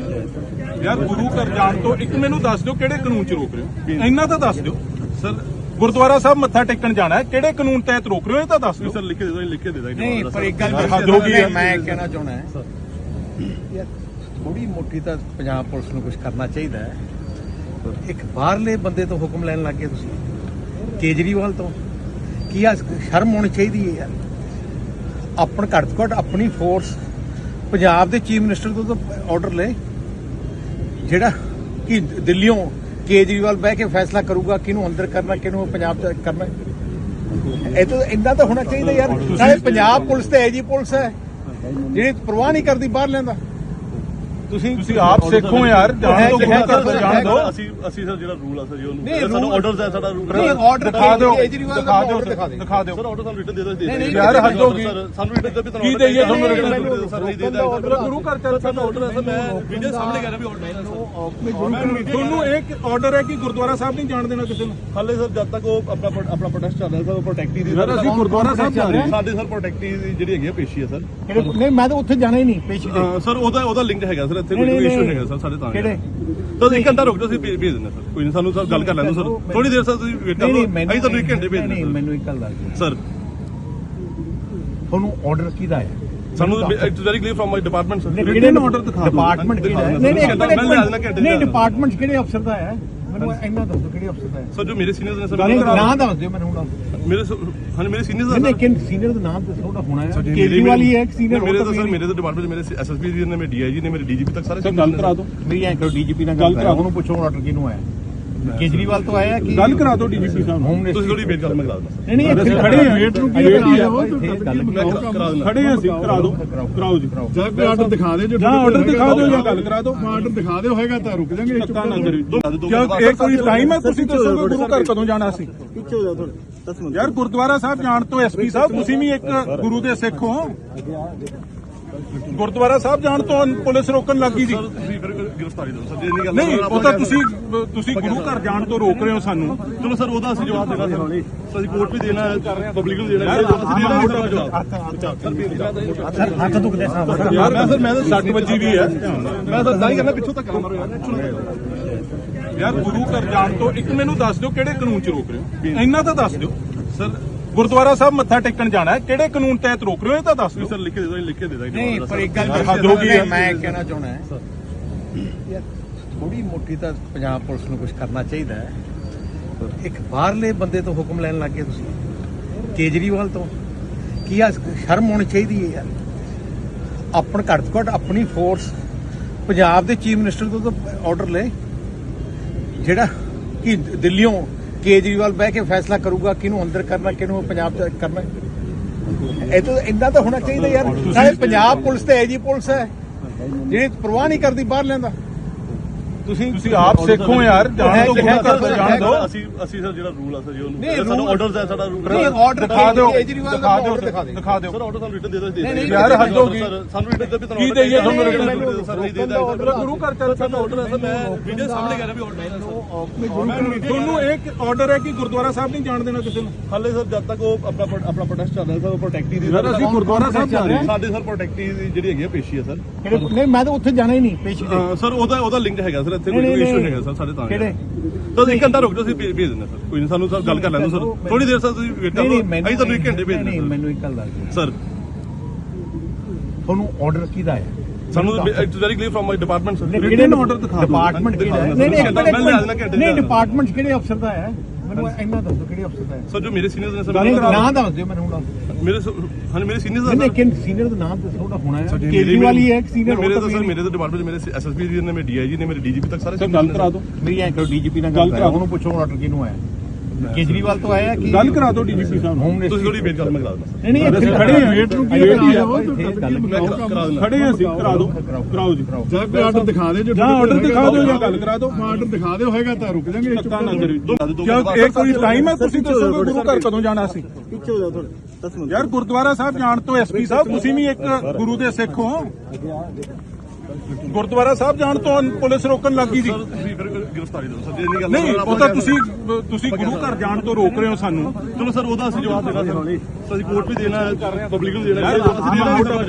Speaker 2: ਯਾਰ ਗੁਰੂ ਘਰ ਜਾਣ ਤੋਂ ਇੱਕ ਮੈਨੂੰ ਦੱਸ ਦਿਓ ਕਿਹੜੇ ਕਾਨੂੰਨ 'ਚ ਰੋਕ ਰਹੇ ਹੋ? ਇੰਨਾ ਤਾਂ ਦੱਸ ਦਿਓ।
Speaker 3: ਸਰ
Speaker 2: ਗੁਰਦੁਆਰਾ ਸਾਹਿਬ ਮੱਥਾ ਟੇਕਣ ਜਾਣਾ ਹੈ, ਕਿਹੜੇ ਕਾਨੂੰਨ ਤਹਿਤ ਰੋਕ ਰਹੇ ਹੋ ਇਹ ਤਾਂ ਦੱਸ ਦਿਓ।
Speaker 3: ਸਰ ਲਿਖ ਕੇ ਦੇ ਦੋ ਲਿਖ ਕੇ ਦੇ ਦਾਂਗੇ
Speaker 1: ਨਹੀਂ ਪਰ ਇੱਕ ਗੱਲ
Speaker 2: ਹੱਦ ਹੋ ਗਈ ਹੈ।
Speaker 1: ਮੈਂ ਕਹਿਣਾ ਚਾਹੁੰਦਾ ਹੈ ਯਾਰ ਥੋੜੀ ਮੋਟੀ ਤਾਂ ਪੰਜਾਬ ਪੁਲਿਸ ਨੂੰ ਕੁਝ ਕਰਨਾ ਚਾਹੀਦਾ ਹੈ। ਇੱਕ ਬਾਹਰਲੇ ਬੰਦੇ ਤੋਂ ਹੁਕਮ ਲੈਣ ਲੱਗ ਗਏ ਤੁਸੀਂ, ਕੇਜਰੀਵਾਲ ਤੋਂ। ਕੀ ਆ ਸ਼ਰਮ ਹੋਣੀ ਚਾਹੀਦੀ ਹੈ ਯਾਰ। ਆਪਣ ਘੱਟ ਤੋਂ ਘੱਟ ਆਪਣੀ ਫੋਰਸ ਪੰਜਾਬ ਦੇ ਚੀਫ ਮਿਨਿਸਟਰ ਤੋਂ ਤਾਂ ਆਰਡਰ ਲੈ, ਜਿਹੜਾ ਕਿ ਦਿੱਲੀੋਂ ਕੇਜਰੀਵਾਲ ਬਹਿ ਕੇ ਫੈਸਲਾ ਕਰੂਗਾ ਕਿਹਨੂੰ ਅੰਦਰ ਕਰਨਾ ਕਿਹਨੂੰ ਪੰਜਾਬ ਚ ਕਰਨਾ। ਇਹ ਤਾਂ ਇੰਨਾ ਤਾਂ ਹੋਣਾ ਚਾਹੀਦਾ ਯਾਰ। ਨਾਲੇ ਪੰਜਾਬ ਪੁਲਿਸ ਤੇ ਐਜੀ ਪੁਲਿਸ ਹੈ ਜਿਹੜੀ ਪਰਵਾਹ ਨਹੀਂ ਕਰਦੀ ਬਾਹਰ ਲੈਂਦਾ। ਤੁਸੀਂ
Speaker 2: ਤੁਸੀਂ ਆਪ ਸਿੱਖੋ ਯਾਰ, ਜਾਣ ਤੋਂ ਗੁਰੂ ਘਰ ਤੋਂ ਜਾਣ ਦਿਓ।
Speaker 3: ਅਸੀਂ ਅਸੀਂ ਸਰ ਜਿਹੜਾ ਰੂਲ ਆ ਸਰ ਜੀ
Speaker 1: ਨਹੀਂ,
Speaker 3: ਉਹਨੂੰ ਸਾਡਾ
Speaker 1: rule-
Speaker 3: ਆਰਡਰਸ ਹੈ ਸਾਡਾ ਰੂਲ।
Speaker 1: ਨਹੀਂ ਆਰਡਰ
Speaker 2: ਦਿਖਾ ਦਿਓ
Speaker 1: ਕੇਜਰੀਵਾਲ ਦਾ
Speaker 2: ਦਿਖਾ ਦਿਓ
Speaker 1: order ਦਿਖਾ ਦੇ।
Speaker 2: ਦਿਖਾ ਦਿਓ
Speaker 3: ਸਰ ਆਰਡਰ ਸਾਨੂੰ ਰਿਟਨ ਦੇ ਦੋ
Speaker 1: ਨਹੀਂ, ਨਹੀਂ,
Speaker 2: ਯਾਰ ਹੱਦ ਹੋ ਗਈ।
Speaker 3: ਸਰ ਸਾਨੂੰ ਰਿਟਨ ਦੇ ਵੀ
Speaker 2: ਕੀ ਦੇਈਏ ਤੁਹਾਨੂੰ
Speaker 3: ਰਿਟਨ
Speaker 2: written?
Speaker 3: ਸਰ ਨਹੀਂ ਦੇ
Speaker 2: ਆਰਡਰ ਗੁਰੂ ਘਰ ਚੱਲ
Speaker 3: ਸਾਡਾ ਆਰਡਰ ਹੈ ਸਰ। ਮੈਂ ਵੀਡੀਓ ਸਾਹਮਣੇ ਕਰ ਰਿਹਾ ਵੀ ਆਰਡਰ ਹੈ ਸਰ।
Speaker 2: ਤੁਹਾਨੂੰ ਇੱਕ ਆਰਡਰ ਹੈ ਕਿ ਗੁਰਦੁਆਰਾ ਸਾਹਿਬ ਨਹੀਂ ਜਾਣ ਦੇਣਾ ਕਿਸੇ ਨੂੰ।
Speaker 3: ਹਾਲੇ ਸਰ ਜਦ ਤੱਕ ਉਹ ਆਪਣਾ ਪ੍ਰੋ- ਆਪਣਾ ਪ੍ਰੋਟੈਸਟ ਚੱਲ ਰਿਹਾ ਸਰ, ਉਹ ਪ੍ਰੋਟੈਕਟੀ ਦੀ
Speaker 2: ਯਾਰ ਅਸੀਂ ਗੁਰਦੁਆਰਾ ਸਾਹਿਬ ਜਾ ਰਹੇ ਹਾਂ।
Speaker 3: ਸਾਡੇ ਸਰ ਪ੍ਰੋਟੈਕਟੀ ਦੀ ਜਿਹੜੀ ਹੈਗੀ ਆ ਪੇਸ਼ੀ ਹੈ ਸਰ।
Speaker 1: ਨਹੀਂ ਮੈਂ ਤਾਂ ਉੱਥੇ ਜਾਣਾ ਹੀ ਨਹੀਂ ਪੇਸ਼ੀ ਤੇ।
Speaker 3: ਅਹ ਸਰ ਉਹਦਾ ਉਹਦਾ ਲਿੰਕ ਹੈਗਾ ਸਰ, ਇੱਥੇ
Speaker 1: ਨਹੀਂ,
Speaker 3: ਕੋਈ
Speaker 1: ਨਹੀਂ,
Speaker 3: ਇਸ਼ੂ
Speaker 1: ਨਹੀਂ।
Speaker 3: ਹੈਗਾ ਸਰ ਸਾਡੇ ਤਾਂ
Speaker 1: ਕਿਹੜੇ?
Speaker 3: ਤਾਂ ਇੱਕ ਘੰਟਾ ਰੁਕ ਜਾਓ, ਅਸੀਂ ਭੇਜ ਭੇਜ ਦਿੰਦੇ ਸਰ। ਕੋਈ ਨਹੀਂ, ਸਾਨੂੰ ਸਰ ਗੱਲ ਕਰ ਲੈਣ ਦਿਓ ਸਰ। ਥੋੜੀ ਦੇਰ ਸਰ ਤੁਸੀਂ ਵੇਟ ਕਰ
Speaker 1: ਨਹੀਂ
Speaker 3: ਲਓ,
Speaker 1: ਨਹੀਂ ਮੈਨੂੰ
Speaker 3: ਅਸੀਂ ਤੁਹਾਨੂੰ ਇੱਕ ਘੰਟੇ ਭੇਜ
Speaker 1: ਨਹੀਂ
Speaker 3: ਦਿੰਦੇ
Speaker 1: ਮੈਨੂੰ ਇੱਕ ਗੱਲ ਦੱਸ ਦਿਓ।
Speaker 3: ਸਰ।
Speaker 1: ਤੁਹਾਨੂੰ ਆਰਡਰ ਕਿਹਦਾ ਹੈ?
Speaker 3: ਸਾਨੂੰ it's very clear from my department sir.
Speaker 2: ਕਿਹੜੇ ਆਰਡਰ ਦਿਖਾ ਦਿਓ।
Speaker 1: ਡਿਪਾਰਟਮੈਂਟ ਕਿਹੜਾ ਹੈ?
Speaker 3: ਦਿਖਾ
Speaker 1: ਨਹੀਂ ਨਹੀਂ ਇੱਕ
Speaker 3: ਦਿਓ।
Speaker 1: ਮਿੰਟ, ਇੱਕ
Speaker 3: ਮੈਂ ਲਿਆ ਦੇਣਾ
Speaker 1: ਮਿੰਟ
Speaker 3: ਘੰਟੇ
Speaker 1: ਨਹੀਂ
Speaker 3: ਦਾ।
Speaker 1: ਡਿਪਾਰਟਮੈਂਟ ਕਿਹੜੇ ਅਫਸਰ ਦਾ ਹੈ? ਮੈਨੂੰ ਇੰਨਾ ਦੱਸ ਦਿਓ ਕਿਹੜੇ ਅਫਸਰ ਦਾ ਹੈ।
Speaker 3: ਸਰ ਜੋ ਮੇਰੇ ਸੀਨੀਅਰਸ ਨੇ ਸਰ,
Speaker 1: ਨਹੀਂ ਨਾਂ ਦੱਸ ਦਿਓ ਮੈਨੂੰ ਹੁਣ।
Speaker 3: ਮੇਰੇ ਹਾਂ ਮੇਰੇ ਸੀਨੀਅਰਸ
Speaker 1: ਨਹੀਂ
Speaker 3: ਨੇ
Speaker 1: ਨਹੀਂ ਕਿਨ ਸੀਨੀਅਰ ਦਾ ਨਾਮ ਦੱਸੋ ਉਹਦਾ ਹੋਣਾ ਹੈ। ਕੇਜਰੀਵਾਲ ਹੀ ਹੈ ਇੱਕ ਸੀਨੀਅਰ
Speaker 3: ਮੇਰੇ ਤਾਂ ਸਰ ਮੇਰੇ ਤਾਂ ਡਿਪਾਰਟਮੈਂਟ ਮੇਰੇ ਐਸਐਸਪੀ ਜੀ ਨੇ, ਮੇਰੇ ਡੀਆਈਜੀ ਨੇ, ਮੇਰੇ ਡੀਜੀਪੀ ਤੱਕ ਸਾਰੇ
Speaker 2: ਗੱਲ ਕਰਾ ਦਿਓ।
Speaker 1: ਮੇਰੀ ਐਂ ਕਰੋ ਡੀਜੀਪੀ ਨਾਲ ਗੱਲ ਕਰਾਓ, ਉਹਨੂੰ ਪੁੱਛੋ ਆਰਡਰ ਕਿਹਨੂੰ ਆਇਆ। ਕੇਜਰੀਵਾਲ ਤੋਂ ਆਇਆ ਕਿ
Speaker 2: ਗੱਲ ਕਰਾ ਦਿਓ ਡੀਜੀਪੀ ਸਾਹਿਬ
Speaker 1: ਹੋਮ
Speaker 2: ਨੂੰ।
Speaker 1: ਮਿਨਿਸਟਰ?
Speaker 3: ਤੁਸੀਂ ਥੋੜੀ ਵੇਟ ਕਰ, ਮੈਂ ਕਰਾ ਦਿੰਦਾ।
Speaker 1: ਨਹੀਂ ਨਹੀਂ ਇੱਥੇ
Speaker 2: ਖੜੇ ਹਾਂ,
Speaker 1: ਵੇਟ ਨੂੰ ਕੀ
Speaker 2: ਵੇਟ
Speaker 1: ਕਰਾ
Speaker 2: ਹੀ ਆ।
Speaker 1: ਦਿਓ। ਇੱਥੇ ਗੱਲ
Speaker 3: ਮੈਂ ਕਰਾ ਕਰਾ ਦਿੰਦਾ।
Speaker 2: ਖੜੇ ਹਾਂ ਅਸੀਂ, ਕਰਾ ਦਿਓ ਕਰਾਓ ਜੀ।
Speaker 5: ਜਾਂ ਕੋਈ ਆਰਡਰ ਦਿਖਾ ਦੇ ਜੋ
Speaker 2: ਜਾਂ ਆਰਡਰ ਦਿਖਾ ਦਿਓ ਜਾਂ ਗੱਲ ਕਰਾ ਦਿਓ।
Speaker 5: ਆਰਡਰ ਦਿਖਾ ਦਿਓ ਹੋਏਗਾ ਤਾਂ ਰੁਕ ਜਾਾਂਗੇ।
Speaker 2: ਧੱਕਾ ਨਾ ਕਰਿਓ। ਕਿਉਂ ਇਹ ਕੋਈ ਟਾਈਮ ਹੈ? ਤੁਸੀਂ ਦੱਸੋਗੇ ਗੁਰੂ ਘਰ ਕਦੋਂ ਜਾਣਾ ਸੀ?
Speaker 5: ਪਿੱਛੇ ਹੋ ਜਾ ਥੋੜੇ ਦਸ ਮਿੰਟ।
Speaker 2: ਯਾਰ ਗੁਰਦੁਆਰਾ ਸਾਹਿਬ ਜਾਣ ਤੋਂ ਐਸਪੀ ਸਾਹਿਬ ਤੁਸੀਂ ਵੀ ਇੱਕ ਗੁਰੂ ਦੇ ਸਿੱਖ ਹੋ। ਗੁਰਦੁਆਰਾ ਸਾਹਿਬ ਜਾਣ ਤੋਂ ਪੁਲਿਸ ਰੋਕਣ ਲੱਗੀ ਸੀ।
Speaker 3: ਸਰ ਤੁਸੀਂ ਫਿਰ ਗ੍ਰਿਫਤਾਰੀ ਦਿਓ ਸਰ, ਜੇ ਨਹੀਂ ਗੱਲ
Speaker 2: ਨਹੀਂ ਉਹ ਤਾਂ ਤੁਸੀਂ ਤੁਸੀਂ ਗੁਰੂ ਘਰ ਜਾਣ ਤੋਂ ਰੋਕ ਰਹੇ ਹੋ ਸਾਨੂੰ।
Speaker 3: ਚਲੋ ਸਰ ਉਹਦਾ ਅਸੀਂ ਜਵਾਬ ਦੇਣਾ ਸਰ। ਸਰ ਅਸੀਂ ਕੋਰਟ ਵੀ ਦੇਣਾ ਹੈ, ਪਬਲਿਕ ਨੂੰ ਦੇਣਾ ਹੈ, ਅਸੀਂ ਦੇਣਾ ਹੈ ਜਵਾਬ।
Speaker 1: ਸਰ ਹੱਥ ਦੁਖਦੇ ਸਾਹਿਬ।
Speaker 2: ਯਾਰ ਮੈਂ ਸਰ ਮੈਂ ਤਾਂ ਸੱਟ ਵੱਜੀ ਵੀ ਹੈ।
Speaker 3: ਮੈਂ ਤਾਂ ਤਾਂ ਹੀ ਕਰਨਾ ਪਿੱਛੋਂ ਤੱਕ ਮਾਰੋ ਯਾਰ।
Speaker 2: ਯਾਰ ਗੁਰੂ ਘਰ ਜਾਣ ਤੋਂ ਇੱਕ ਮੈਨੂੰ ਦੱਸ ਦਿਓ ਕਿਹੜੇ ਕਾਨੂੰਨ 'ਚ ਰੋਕ ਰਹੇ ਹੋ। ਇੰਨਾ ਤਾਂ ਦੱਸ ਦਿਓ। ਸਰ ਗੁਰਦੁਆਰਾ ਸਾਹਿਬ ਮੱਥਾ ਟੇਕਣ ਜਾਣਾ ਹੈ, ਕਿਹੜੇ ਕਾਨੂੰਨ ਤਹਿਤ ਰੋਕ ਰਹੇ ਹੋ ਇਹ ਤਾਂ ਦੱਸ ਦਿਓ।
Speaker 3: ਸਰ ਲਿਖ ਕੇ ਦੇ ਦੋ ਲਿਖ ਕੇ ਦੇ ਦਾਂਗੇ।
Speaker 1: ਨਹੀਂ ਪਰ ਇੱਕ ਗੱਲ
Speaker 2: ਹੱਦ ਹੋ ਗਈ ਹੈ।
Speaker 1: ਮੈਂ ਕਹਿਣਾ ਚਾਹੁੰਦਾ ਹੈ ਯਾਰ ਥੋੜੀ ਮੋਟੀ ਤਾਂ ਪੰਜਾਬ ਪੁਲਿਸ ਨੂੰ ਕੁਝ ਕਰਨਾ ਚਾਹੀਦਾ ਹੈ। ਇੱਕ ਬਾਹਰਲੇ ਬੰਦੇ ਤੋਂ ਹੁਕਮ ਲੈਣ ਲੱਗ ਗਏ ਤੁਸੀਂ, ਕੇਜਰੀਵਾਲ ਤੋਂ। ਕੀ ਆ ਸ਼ਰਮ ਹੋਣੀ ਚਾਹੀਦੀ ਹੈ ਯਾਰ। ਆਪਣ ਘੱਟ ਤੋਂ ਘੱਟ ਆਪਣੀ ਫੋਰਸ ਪੰਜਾਬ ਦੇ ਚੀਫ ਮਿਨਿਸਟਰ ਤੋਂ ਤਾਂ ਆਰਡਰ ਲੈ, ਜਿਹੜਾ ਕਿ ਦਿੱਲੀੋਂ ਕੇਜਰੀਵਾਲ ਬਹਿ ਕੇ ਫੈਸਲਾ ਕਰੂਗਾ ਕਿਹਨੂੰ ਅੰਦਰ ਕਰਨਾ ਕਿਹਨੂੰ ਪੰਜਾਬ ਚ ਕਰਨਾ। ਇਹ ਤਾਂ ਇੰਨਾ ਤਾਂ ਹੋਣਾ ਚਾਹੀਦਾ ਯਾਰ। ਨਾਲੇ ਪੰਜਾਬ ਪੁਲਿਸ ਤੇ ਐਜੀ ਪੁਲਿਸ ਹੈ ਜਿਹੜੀ ਪਰਵਾਹ ਨਹੀਂ ਕਰਦੀ ਬਾਹਰ ਲੈਂਦਾ। ਤੁਸੀਂ
Speaker 2: ਤੁਸੀਂ ਆਪ ਸਿੱਖੋ ਯਾਰ, ਜਾਣ ਤੋਂ ਗੁਰੂ ਘਰ ਤੋਂ ਜਾਣ ਦਿਓ।
Speaker 3: ਅਸੀਂ ਅਸੀਂ ਸਰ ਜਿਹੜਾ ਰੂਲ ਆ ਸਰ ਜੀ
Speaker 1: ਨਹੀਂ,
Speaker 3: ਉਹਨੂੰ ਸਾਨੂੰ
Speaker 1: rule-
Speaker 3: ਆਰਡਰਸ ਹੈ ਸਾਡਾ ਰੂਲ।
Speaker 1: ਨਹੀਂ ਆਰਡਰ
Speaker 2: ਦਿਖਾ ਦਿਓ
Speaker 1: ਕੇਜਰੀਵਾਲ ਦਾ
Speaker 2: ਦਿਖਾ ਦਿਓ
Speaker 1: order ਦਿਖਾ ਦੇ।
Speaker 2: ਦਿਖਾ ਦਿਓ।
Speaker 3: ਸਰ ਆਰਡਰ ਸਾਨੂੰ ਰਿਟਨ ਦੇ ਦੋ।
Speaker 1: ਨਹੀਂ, ਨਹੀਂ,
Speaker 2: ਯਾਰ ਹੱਦ ਹੋ ਗਈ।
Speaker 3: ਸਰ ਸਾਨੂੰ ਰਿਟਨ ਦੇ ਵੀ
Speaker 2: ਕੀ ਦੇਈਏ ਤੁਹਾਨੂੰ written?
Speaker 3: ਸਰ ਨਹੀਂ ਦੇ
Speaker 2: ਮਤਲਬ ਗੁਰੂ ਘਰ ਚੱਲ
Speaker 3: ਸਾਡਾ ਆਰਡਰ ਹੈ ਸਰ। ਮੈਂ ਵੀਡੀਓ ਸਾਹਮਣੇ ਕਰ ਰਿਹਾ ਵੀ ਆਰਡਰ ਹੈ ਸਰ।
Speaker 2: ਤੁਹਾਨੂੰ ਇੱਕ ਆਰਡਰ ਹੈ ਕਿ ਗੁਰਦੁਆਰਾ ਸਾਹਿਬ ਨਹੀਂ ਜਾਣ ਦੇਣਾ ਕਿਸੇ ਨੂੰ।
Speaker 3: ਹਾਲੇ ਸਰ ਜਦ ਤੱਕ ਉਹ ਆਪਣਾ ਪ੍ਰੋ- ਆਪਣਾ ਪ੍ਰੋਟੈਸਟ ਚੱਲ ਰਿਹਾ ਸਰ, ਉਹ ਪ੍ਰੋਟੈਕਟੀ ਦੀ
Speaker 2: ਯਾਰ ਅਸੀਂ ਗੁਰਦੁਆਰਾ ਸਾਹਿਬ ਜਾ ਰਹੇ ਹਾਂ।
Speaker 3: ਸਾਡੇ ਸਰ ਪ੍ਰੋਟੈਕਟੀ ਦੀ ਜਿਹੜੀ ਹੈਗੀ ਆ ਪੇਸ਼ੀ ਹੈ ਸਰ।
Speaker 1: ਨਹੀਂ ਮੈਂ ਤਾਂ ਉੱਥੇ ਜਾਣਾ ਹੀ ਨਹੀਂ ਪੇਸ਼ੀ ਤੇ।
Speaker 3: ਅਹ ਸਰ ਉਹਦਾ ਉਹਦਾ ਲਿੰਕ ਹੈਗਾ ਸਰ, ਇੱਥੇ
Speaker 1: ਨਹੀਂ,
Speaker 3: ਕੋਈ
Speaker 1: ਨਹੀਂ,
Speaker 3: ਇਸ਼ੂ
Speaker 1: ਨਹੀਂ।
Speaker 3: ਹੈਗਾ ਸਰ ਸਾਡੇ ਤਾਂ
Speaker 1: ਕਿਹੜੇ?
Speaker 3: ਤਾਂ ਇੱਕ ਘੰਟਾ ਰੁਕ ਜਾਓ, ਅਸੀਂ ਭੇਜ ਭੇਜ ਦਿੰਦੇ ਸਰ। ਕੋਈ ਨਹੀਂ, ਸਾਨੂੰ ਸਰ ਗੱਲ ਕਰ ਲੈਣ ਦਿਓ ਸਰ। ਥੋੜੀ ਦੇਰ ਸਰ ਤੁਸੀਂ ਵੇਟ ਕਰ
Speaker 1: ਨਹੀਂ
Speaker 3: ਲਓ,
Speaker 1: ਨਹੀਂ ਮੈਨੂੰ
Speaker 3: ਅਸੀਂ ਤੁਹਾਨੂੰ ਇੱਕ ਘੰਟੇ ਭੇਜ
Speaker 1: ਨਹੀਂ
Speaker 3: ਦਿੰਦੇ
Speaker 1: ਮੈਨੂੰ ਇੱਕ ਗੱਲ ਦੱਸ ਦਿਓ।
Speaker 3: ਸਰ।
Speaker 1: ਤੁਹਾਨੂੰ ਆਰਡਰ ਕਿਹਦਾ ਹੈ?
Speaker 3: ਸਾਨੂੰ it's very clear from my department sir.
Speaker 2: ਕਿਹੜੇ ਆਰਡਰ ਦਿਖਾ ਦਿਓ।
Speaker 1: ਡਿਪਾਰਟਮੈਂਟ ਕਿਹੜਾ ਹੈ? ਨਹੀਂ ਨਹੀਂ ਇੱਕ ਮਿੰਟ, ਨਹੀਂ ਡਿਪਾਰਟਮੈਂਟ ਕਿਹੜੇ ਅਫਸਰ ਦਾ ਹੈ? ਮੈਨੂੰ ਇੰਨਾ ਦੱਸ ਦਿਓ ਕਿਹੜੇ ਅਫਸਰ ਦਾ ਹੈ।
Speaker 3: ਸਰ ਜੋ ਮੇਰੇ ਸੀਨੀਅਰਸ ਨੇ ਸਰ,
Speaker 1: ਨਹੀਂ ਨਾਂ ਦੱਸ ਦਿਓ ਮੈਨੂੰ ਹੁਣ।
Speaker 3: ਮੇਰੇ ਹਾਂ ਮੇਰੇ ਸੀਨੀਅਰਸ
Speaker 1: ਨਹੀਂ
Speaker 3: ਨੇ
Speaker 1: ਨਹੀਂ ਕਿਨ ਸੀਨੀਅਰ ਦਾ ਨਾਮ ਦੱਸੋ ਉਹਦਾ ਹੋਣਾ ਹੈ। ਕੇਜਰੀਵਾਲ ਹੀ ਹੈ ਇੱਕ ਸੀਨੀਅਰ।
Speaker 3: ਮੇਰੇ ਤਾਂ ਸਰ ਮੇਰੇ ਤਾਂ ਡਿਪਾਰਟਮੈਂਟ ਮੇਰੇ ਐਸਐਸਪੀ ਜੀ ਨੇ, ਮੇਰੇ ਡੀਆਈਜੀ ਨੇ, ਮੇਰੇ ਡੀਜੀਪੀ ਤੱਕ ਸਾਰੇ
Speaker 2: ਗੱਲ ਕਰਾ ਦਿਓ।
Speaker 1: ਮੇਰੀ ਐਂ ਕਰੋ ਡੀਜੀਪੀ ਨਾਲ ਗੱਲ ਕਰਾਓ, ਉਹਨੂੰ ਪੁੱਛੋ ਆਰਡਰ ਕਿਹਨੂੰ ਆਇਆ। ਕੇਜਰੀਵਾਲ ਤੋਂ ਆਇਆ ਕਿ
Speaker 2: ਗੱਲ ਕਰਾ ਦਿਓ ਡੀਜੀਪੀ ਸਾਹਿਬ ਨੂੰ।
Speaker 1: ਹੋਮ
Speaker 3: ਤੁਸੀਂ
Speaker 1: ਮਿਨਿਸਟਰ?
Speaker 3: ਥੋੜੀ ਵੇਟ ਕਰ, ਮੈਂ ਕਰਾ ਦਿੰਦਾ।
Speaker 1: ਨਹੀਂ ਨਹੀਂ ਇੱਥੇ
Speaker 2: ਖੜੇ ਹਾਂ,
Speaker 1: ਵੇਟ ਨੂੰ ਕੀ
Speaker 2: ਵੇਟ ਹੀ
Speaker 1: ਕਰਾ
Speaker 2: ਆ।
Speaker 1: ਦਿਓ। ਇੱਥੇ ਗੱਲ
Speaker 3: ਮੈਂ ਕਰਾ ਕਰਾ ਦਿੰਦਾ।
Speaker 2: ਖੜੇ ਹਾਂ ਅਸੀਂ, ਕਰਾ ਦਿਓ ਕਰਾਓ ਜੀ।
Speaker 5: ਜਾਂ ਕੋਈ ਆਰਡਰ ਦਿਖਾ ਦੇ ਜੋ
Speaker 2: ਜਾਂ ਆਰਡਰ ਦਿਖਾ ਦਿਓ ਜਾਂ ਗੱਲ ਕਰਾ ਦਿਓ।
Speaker 5: ਆਰਡਰ ਦਿਖਾ ਦਿਓ ਹੋਏਗਾ ਤਾਂ ਰੁਕ ਜਾਾਂਗੇ।
Speaker 2: ਧੱਕਾ ਨਾ ਕਰਿਓ। ਕਿਉਂ ਇਹ ਕੋਈ ਟਾਈਮ ਹੈ? ਤੁਸੀਂ ਦੱਸੋਗੇ ਗੁਰੂ ਘਰ ਕਦੋਂ ਜਾਣਾ ਸੀ?
Speaker 5: ਪਿੱਛੇ ਹੋ ਜਾ ਥੋੜੇ ਦਸ ਮਿੰਟ।
Speaker 2: ਯਾਰ ਗੁਰਦੁਆਰਾ ਸਾਹਿਬ ਜਾਣ ਤੋਂ ਐਸਪੀ ਸਾਹਿਬ ਤੁਸੀਂ ਵੀ ਇੱਕ ਗੁਰੂ ਦੇ ਸਿੱਖ ਹੋ। ਗੁਰਦੁਆਰਾ ਸਾਹਿਬ ਜਾਣ ਤੋਂ ਪੁਲਿਸ ਰੋਕਣ ਲੱਗੀ ਸੀ।
Speaker 3: ਸਰ ਤੁਸੀਂ ਫਿਰ ਗ੍ਰਿਫਤਾਰੀ ਦਿਓ ਸਰ, ਜੇ ਨਹੀਂ ਗੱਲ
Speaker 2: ਨਹੀਂ ਉਹ ਤਾਂ ਤੁਸੀਂ ਤੁਸੀਂ ਗੁਰੂ ਘਰ ਜਾਣ ਤੋਂ ਰੋਕ ਰਹੇ ਹੋ ਸਾਨੂੰ।
Speaker 3: ਚਲੋ ਸਰ ਉਹਦਾ ਅਸੀਂ ਜਵਾਬ ਦੇਣਾ ਸਰ। ਸਰ ਅਸੀਂ ਕੋਰਟ ਵੀ ਦੇਣਾ ਹੈ, ਪਬਲਿਕ ਨੂੰ ਦੇਣਾ ਹੈ, ਅਸੀਂ ਦੇਣਾ ਹੈ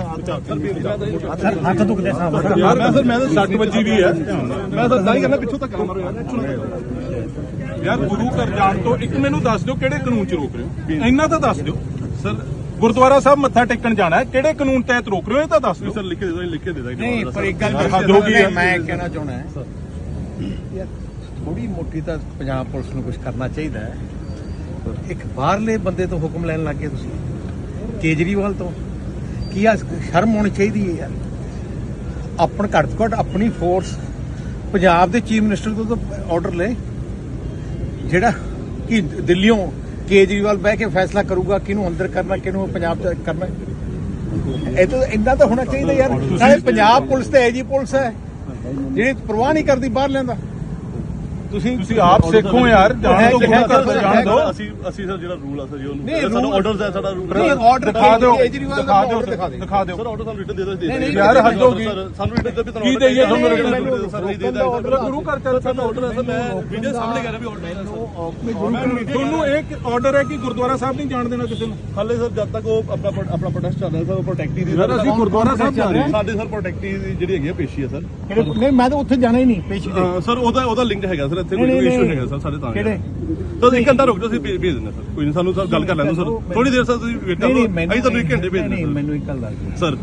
Speaker 3: ਜਵਾਬ।
Speaker 1: ਸਰ ਹੱਥ ਦੁਖਦੇ ਸਾਹਿਬ।
Speaker 2: ਯਾਰ ਮੈਂ ਸਰ ਮੈਂ ਤਾਂ ਸੱਟ ਵੱਜੀ ਵੀ ਹੈ।
Speaker 3: ਮੈਂ ਤਾਂ ਤਾਂ ਹੀ ਕਰਨਾ ਪਿੱਛੋਂ ਤੱਕ ਮਾਰੋ ਯਾਰ।
Speaker 2: ਯਾਰ ਗੁਰੂ ਘਰ ਜਾਣ ਤੋਂ ਇੱਕ ਮੈਨੂੰ ਦੱਸ ਦਿਓ ਕਿਹੜੇ ਕਾਨੂੰਨ 'ਚ ਰੋਕ ਰਹੇ ਹੋ ਇੰਨਾ ਤਾਂ ਦੱਸ ਦਿਓ ਸਰ ਗੁਰਦੁਆਰਾ ਸਾਹਿਬ ਮੱਥਾ ਟੇਕਣ ਜਾਣਾ ਹੈ ਕਿਹੜੇ ਕਾਨੂੰਨ ਤਹਿਤ ਰੋਕ ਰਹੇ ਹੋ ਇਹ ਤਾਂ ਦੱਸ ਦਿਓ
Speaker 3: ਸਰ ਲਿਖ ਕੇ ਦੇ ਦੋ ਲਿਖ ਕੇ ਦੇ ਦਾਂਗੇ
Speaker 1: ਨਹੀਂ ਪਰ ਇੱਕ ਗੱਲ
Speaker 2: ਹੱਦ ਹੋ ਗਈ ਹੈ।
Speaker 1: ਮੈਂ ਕਹਿਣਾ ਚਾਹੁੰਦਾ ਹੈ ਯਾਰ ਥੋੜੀ ਮੋਟੀ ਤਾਂ ਪੰਜਾਬ ਪੁਲਿਸ ਨੂੰ ਕੁਝ ਕਰਨਾ ਚਾਹੀਦਾ ਹੈ। ਇੱਕ ਬਾਹਰਲੇ ਬੰਦੇ ਤੋਂ ਹੁਕਮ ਲੈਣ ਲੱਗ ਗਏ ਤੁਸੀਂ ਕੇਜਰੀਵਾਲ ਤੋਂ ਕੀ ਆ ਸ਼ਰਮ ਹੋਣੀ ਚਾਹੀਦੀ ਹੈ ਯਾਰ। ਆਪਣ ਘੱਟ ਤੋਂ ਘੱਟ ਆਪਣੀ ਫੋਰਸ ਪੰਜਾਬ ਦੇ ਚੀਫ ਮਿਨਿਸਟਰ ਤੋਂ ਤਾਂ ਆਰਡਰ ਲੈ ਜਿਹੜਾ ਕਿ ਦਿੱਲੀੋਂ ਕੇਜਰੀਵਾਲ ਬਹਿ ਕੇ ਫੈਸਲਾ ਕਰੂਗਾ ਕਿਹਨੂੰ ਅੰਦਰ ਕਰਨਾ ਕਿਹਨੂੰ ਪੰਜਾਬ ਚ ਕਰਨਾ। ਇਹ ਤਾਂ ਇੰਨਾ ਤਾਂ ਹੋਣਾ ਚਾਹੀਦਾ ਯਾਰ। ਨਾਲੇ ਪੰਜਾਬ ਪੁਲਿਸ ਤੇ ਐਜੀ ਪੁਲਿਸ ਹੈ ਜਿਹੜੀ ਪਰਵਾਹ ਨਹੀਂ ਕਰਦੀ ਬਾਹਰ ਲੈਂਦਾ। ਤੁਸੀਂ
Speaker 2: ਤੁਸੀਂ ਆਪ ਸਿੱਖੋ ਯਾਰ ਜਾਣ ਤੋਂ ਗੁਰੂ ਘਰ ਤੋਂ ਜਾਣ ਦਿਓ
Speaker 3: ਅਸੀਂ ਅਸੀਂ ਸਰ ਜਿਹੜਾ ਰੂਲ ਆ ਸਰ ਜੀ
Speaker 1: ਨਹੀਂ,
Speaker 3: ਉਹਨੂੰ ਸਾਡਾ
Speaker 1: rule-
Speaker 3: ਆਰਡਰਸ ਹੈ ਸਾਡਾ ਰੂਲ
Speaker 1: ਨਹੀਂ, order
Speaker 2: ਦਿਖਾ ਦਿਓ
Speaker 1: ਕੇਜਰੀਵਾਲ ਦਾ
Speaker 2: ਦਿਖਾ ਦਿਓ
Speaker 1: order ਦਿਖਾ ਦਿਓ।
Speaker 2: ਦਿਖਾ ਦਿਓ
Speaker 3: ਸਰ ਆਰਡਰ ਸਾਨੂੰ ਰਿਟਨ ਦੇ ਦੋ ਦੇ
Speaker 1: ਨਹੀਂ, ਨਹੀਂ,
Speaker 2: ਯਾਰ ਹੱਦ ਹੋ ਗਈ।
Speaker 3: ਸਾਨੂੰ ਰਿਟਨ ਦੇ ਵੀ
Speaker 2: ਕੀ ਦੇਈਏ ਤੁਹਾਨੂੰ written?
Speaker 3: ਸਰ ਨਹੀਂ ਦੇ
Speaker 2: ਗੁਰੂ ਘਰ ਚੱਲ
Speaker 3: ਸਾਡਾ ਆਰਡਰ ਹੈ ਸਰ ਮੈਂ ਵੀਡੀਓ ਸਾਹਮਣੇ ਕਰ ਰਿਹਾ ਵੀ ਆਰਡਰ ਹੈ
Speaker 2: ਤੁਹਾਨੂੰ ਇੱਕ ਆਰਡਰ ਹੈ ਕਿ ਗੁਰਦੁਆਰਾ ਸਾਹਿਬ ਨਹੀਂ ਜਾਣ ਦੇਣਾ ਕਿਸੇ ਨੂੰ
Speaker 3: ਹਾਲੇ ਸਰ ਜਦ ਤੱਕ ਉਹ ਆਪਣਾ ਪ੍ਰੋ- ਆਪਣਾ ਪ੍ਰੋਟੈਸਟ ਚੱਲ ਰਿਹਾ ਸਰ ਪ੍ਰੋਟੈਕਟੀ ਦੀ
Speaker 2: ਯਾਰ ਅਸੀਂ ਗੁਰਦੁਆਰਾ ਸਾਹਿਬ ਜਾ ਰਹੇ ਹਾਂ।
Speaker 3: ਸਾਡੇ ਸਰ ਪ੍ਰੋਟੈਕਟੀ ਦੀ ਜਿਹੜੀ ਹੈਗੀ ਆ ਪੇਸ਼ੀ ਹੈ ਸਰ
Speaker 1: ਨਹੀਂ ਮੈਂ ਤਾਂ ਉੱਥੇ ਜਾਣਾ ਹੀ ਨਹੀਂ ਪੇਸ਼ੀ ਤੇ।
Speaker 3: ਅਹ ਸਰ ਉਹਦਾ ਉਹਦਾ ਲਿੰਕ ਹੈਗਾ ਸਰ ਇੱਥੇ
Speaker 1: ਨਹੀਂ,
Speaker 3: ਕੋਈ
Speaker 1: ਨਹੀਂ,
Speaker 3: ਇਸ਼ੂ
Speaker 1: ਨਹੀਂ।
Speaker 3: ਹੈਗਾ ਸਰ ਸਾਡੇ ਤਾਂ
Speaker 1: ਕਿਹੜੇ?
Speaker 3: ਤਾਂ ਇੱਕ ਘੰਟਾ ਰੁਕ ਜਾਓ ਅਸੀਂ ਭੇਜ ਭੇਜ ਦਿੰਦੇ ਸਰ ਕੋਈ ਨਹੀਂ ਸਾਨੂੰ ਸਰ ਗੱਲ ਕਰ ਲੈਣ ਦਿਓ ਸਰ ਥੋੜੀ ਦੇਰ ਸਰ ਤੁਸੀਂ ਵੇਟ ਕਰੋ ਅਸੀਂ ਤੁਹਾਨੂੰ ਇੱਕ ਘੰਟੇ ਭੇਜ
Speaker 1: ਨਹੀਂ
Speaker 3: ਦਿੰਦੇ
Speaker 1: ਮੈਨੂੰ ਇੱਕ ਗੱਲ ਦੱਸ ਦਿਓ।
Speaker 3: ਸਰ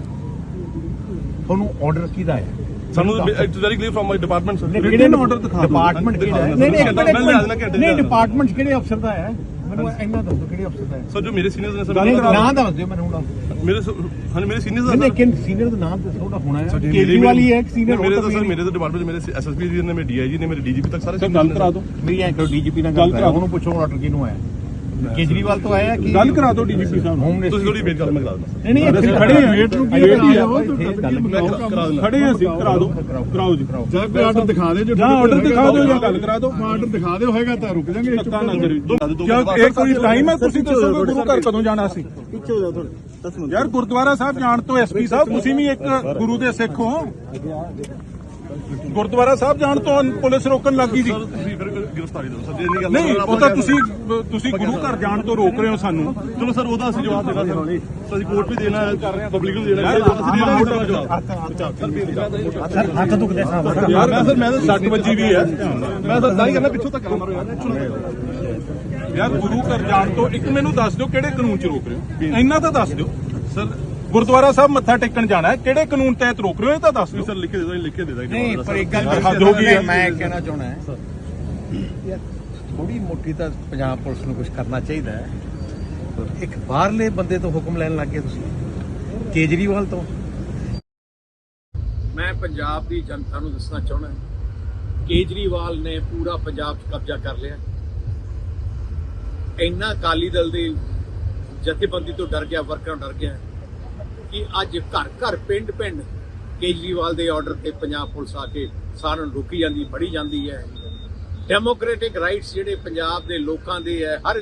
Speaker 1: ਤੁਹਾਨੂੰ ਆਰਡਰ ਕਿਹਦਾ ਹੈ?
Speaker 3: ਸਾਨੂੰ it's very clear from my department sir
Speaker 1: ਕਿਹੜੇ
Speaker 2: order ਦਿਖਾ ਦਿਓ।
Speaker 1: ਡਿਪਾਰਟਮੈਂਟ ਕਿਹੜਾ ਹੈ?
Speaker 3: ਦਿਖਾ
Speaker 1: ਨਹੀਂ ਨਹੀਂ
Speaker 3: ਦਿਓ।
Speaker 1: ਇੱਕ
Speaker 3: ਮੈਂ ਲਿਆ ਦੇਣਾ
Speaker 1: ਮਿੰਟ
Speaker 3: ਘੰਟੇ
Speaker 1: ਨਹੀਂ
Speaker 3: ਦਾ।
Speaker 1: ਡਿਪਾਰਟਮੈਂਟ ਕਿਹੜੇ ਅਫਸਰ ਦਾ ਹੈ ਮੈਨੂੰ ਇੰਨਾ ਦੱਸੋ ਕਿਹੜੇ ਅਫਸਰ ਦਾ ਹੈ?
Speaker 3: ਸਰ ਜੋ ਮੇਰੇ ਸੀਨੀਅਰਸ ਨੇ
Speaker 1: ਨਹੀਂ,
Speaker 3: ਸਰ
Speaker 1: ਨਾਮ ਦੱਸ ਦਿਓ ਮੈਨੂੰ ਹੁਣ।
Speaker 3: ਮੇਰੇ ਹਾਂ ਮੇਰੇ ਸੀਨੀਅਰਸ
Speaker 1: ਨਹੀਂ
Speaker 3: ਦਾ
Speaker 1: ਲੇਕਿਨ ਸੀਨੀਅਰ ਦਾ ਨਾਮ ਦੱਸੋ ਉਹਦਾ ਹੋਣਾ ਹੈ ਕੇਜਰੀਵਾਲ ਹੀ ਹੈ ਸੀਨੀਅਰ
Speaker 3: ਮੇਰੇ ਤਾਂ ਸਰ ਮੇਰੇ ਤਾਂ ਡਿਪਾਰਟਮੈਂਟ ਮੇਰੇ ਐਸਐਸਪੀ ਜੀ ਨੇ ਮੇਰੇ ਡੀਆਈਜੀ ਨੇ ਮੇਰੇ ਡੀਜੀਪੀ ਤੱਕ ਸਾਰੇ
Speaker 2: ਗੱਲ ਕਰਾ ਦਿਓ
Speaker 1: ਮੇਰੀ ਐਂ ਕਰੋ ਡੀਜੀਪੀ ਨਾਲ ਗੱਲ ਕਰਾ ਉਹਨੂੰ ਪੁੱਛੋ ਆਰਡਰ ਕਿਹਨੂੰ ਆਇਆ ਕੇਜਰੀਵਾਲ ਤੋਂ ਆਇਆ ਕਿ
Speaker 2: ਗੱਲ ਕਰਾ ਦਿਓ ਡੀਜੀਪੀ ਸਾਹਿਬ ਨੂੰ।
Speaker 1: ਹੋਮ
Speaker 3: ਤੁਸੀਂ
Speaker 1: ਮਿਨਿਸਟਰ
Speaker 3: ਥੋੜੀ ਵੇਟ ਕਰ ਮੈਂ ਕਰਾ ਦਿੰਦਾ
Speaker 1: ਨਹੀਂ ਨਹੀਂ ਇੱਥੇ
Speaker 2: ਖੜੇ ਹਾਂ,
Speaker 1: ਵੇਟ ਨੂੰ ਕੀ
Speaker 2: ਵੇਟ ਹੀ
Speaker 1: ਕਰਾ
Speaker 2: ਆ।
Speaker 1: ਦਿਓ
Speaker 3: ਕਰਾ ਦਿੰਦਾ
Speaker 2: ਖੜੇ ਹਾਂ ਅਸੀਂ ਕਰਾ ਦਿਓ ਕਰਾਓ ਜੀ
Speaker 5: ਜਾਂ ਕੋਈ ਆਰਡਰ ਦਿਖਾ ਦੇ ਜੋ
Speaker 2: ਜਾਂ ਆਰਡਰ ਦਿਖਾ ਦਿਓ ਜਾਂ ਗੱਲ ਕਰਾ ਦਿਓ
Speaker 5: ਆਰਡਰ ਦਿਖਾ ਦਿਓ ਹੋਏਗਾ ਤਾਂ ਰੁਕ ਜਾਾਂਗੇ
Speaker 2: ਧੱਕਾ ਨਾ ਕਰਿਓ ਕਿਉਂ ਇਹ ਕੋਈ ਟਾਈਮ ਹੈ ਤੁਸੀਂ ਦੱਸੋਗੇ ਗੁਰੂ ਘਰ ਕਦੋਂ ਜਾਣਾ ਸੀ
Speaker 5: ਪਿੱਛੇ ਹੋ ਜਾ ਥੋੜੇ ਦਸ ਮਿੰਟ
Speaker 2: ਯਾਰ ਗੁਰਦੁਆਰਾ ਸਾਹਿਬ ਜਾਣ ਤੋਂ ਐਸਪੀ ਸਾਹਿਬ ਤੁਸੀਂ ਵੀ ਇੱਕ ਗੁਰੂ ਦੇ ਸਿੱਖ ਹੋ ਗੁਰਦੁਆਰਾ ਸਾਹਿਬ ਜਾਣ ਤੋਂ ਪੁਲਿਸ ਰੋਕਣ ਲੱਗੀ ਸੀ
Speaker 3: ਸਰ ਤੁਸੀਂ ਫਿਰ ਗ੍ਰਿਫਤਾਰੀ ਦਿਓ ਸਰ ਜੇ ਨਹੀਂ ਗੱਲ
Speaker 2: ਨਹੀਂ ਉਹ ਤਾਂ ਤੁਸੀਂ ਤੁਸੀਂ ਗੁਰੂ ਘਰ ਜਾਣ ਤੋਂ ਰੋਕ ਰਹੇ ਹੋ ਸਾਨੂੰ
Speaker 3: ਚਲੋ ਸਰ ਉਹਦਾ ਅਸੀਂ ਜਵਾਬ ਦੇਣਾ ਸਰ ਸਰ ਅਸੀਂ ਕੋਰਟ ਵੀ ਦੇਣਾ ਹੈ ਪਬਲਿਕ ਨੂੰ ਦੇਣਾ ਹੈ ਅਸੀਂ ਦੇਣਾ ਹੈ ਜਵਾਬ
Speaker 1: ਸਰ ਹੱਥ ਦੁਖਦੇ ਸਾਹਿਬ
Speaker 2: ਯਾਰ ਮੈਂ ਸਰ ਮੈਂ ਤਾਂ ਸੱਟ ਵੱਜੀ ਵੀ ਹੈ
Speaker 3: ਮੈਂ ਤਾਂ ਤਾਂ ਹੀ ਕਹਿੰਦਾ ਪਿੱਛੋਂ ਤੱਕ ਮਾਰੋ ਯਾਰ
Speaker 2: ਯਾਰ ਗੁਰੂ ਘਰ ਜਾਣ ਤੋਂ ਇੱਕ ਮੈਨੂੰ ਦੱਸ ਦਿਓ ਕਿਹੜੇ ਕਾਨੂੰਨ 'ਚ ਰੋਕ ਰਹੇ ਹੋ ਇੰਨਾ ਤਾਂ ਦੱਸ ਦਿਓ ਸਰ ਗੁਰਦੁਆਰਾ ਸਾਹਿਬ ਮੱਥਾ ਟੇਕਣ ਜਾਣਾ ਹੈ ਕਿਹੜੇ ਕਾਨੂੰਨ ਤਹਿਤ ਰੋਕ ਰਹੇ ਹੋ ਇਹ ਤਾਂ ਦੱਸ ਦਿਓ
Speaker 3: ਸਰ ਲਿਖ ਕੇ ਦੇ ਦੋ ਲਿਖ ਕੇ ਦੇ ਦਾਂਗੇ
Speaker 1: ਨਹੀਂ ਪਰ ਇੱਕ ਗੱਲ
Speaker 2: ਹੱਦ ਹੋ ਗਈ ਹੈ।
Speaker 1: ਮੈਂ ਕਹਿਣਾ ਚਾਹੁੰਦਾ ਹੈ ਯਾਰ ਥੋੜੀ ਮੋਟੀ ਤਾਂ ਪੰਜਾਬ ਪੁਲਿਸ ਨੂੰ ਕੁਝ ਕਰਨਾ ਚਾਹੀਦਾ ਹੈ। ਇੱਕ ਬਾਹਰਲੇ ਬੰਦੇ ਤੋਂ ਹੁਕਮ ਲੈਣ ਲੱਗ ਗਏ ਤੁਸੀਂ ਕੇਜਰੀਵਾਲ ਤੋਂ।
Speaker 6: ਮੈਂ ਪੰਜਾਬ ਦੀ ਜਨਤਾ ਨੂੰ ਦੱਸਣਾ ਚਾਹੁੰਦਾ ਕੇਜਰੀਵਾਲ ਨੇ ਪੂਰਾ ਪੰਜਾਬ 'ਚ ਕਬਜ਼ਾ ਕਰ ਲਿਆ। ਇੰਨਾ ਅਕਾਲੀ ਦਲ ਦੀ ਜਥੇਬੰਦੀ ਤੋਂ ਡਰ ਗਿਆ, ਵਰਕਰਾਂ ਡਰ ਗਿਆ ਕਿ ਅੱਜ ਘਰ ਘਰ ਪਿੰਡ ਪਿੰਡ ਕੇਜਰੀਵਾਲ ਦੇ ਆਰਡਰ ਤੇ ਪੰਜਾਬ ਪੁਲਿਸ ਆ ਕੇ ਸਾਰਿਆਂ ਨੂੰ ਰੋਕੀ ਜਾਂਦੀ, ਫੜੀ ਜਾਂਦੀ ਹੈ। ਡੈਮੋਕ੍ਰੈਟਿਕ ਰਾਈਟਸ ਜਿਹੜੇ ਪੰਜਾਬ ਦੇ ਲੋਕਾਂ ਦੇ ਹੈ, ਹਰ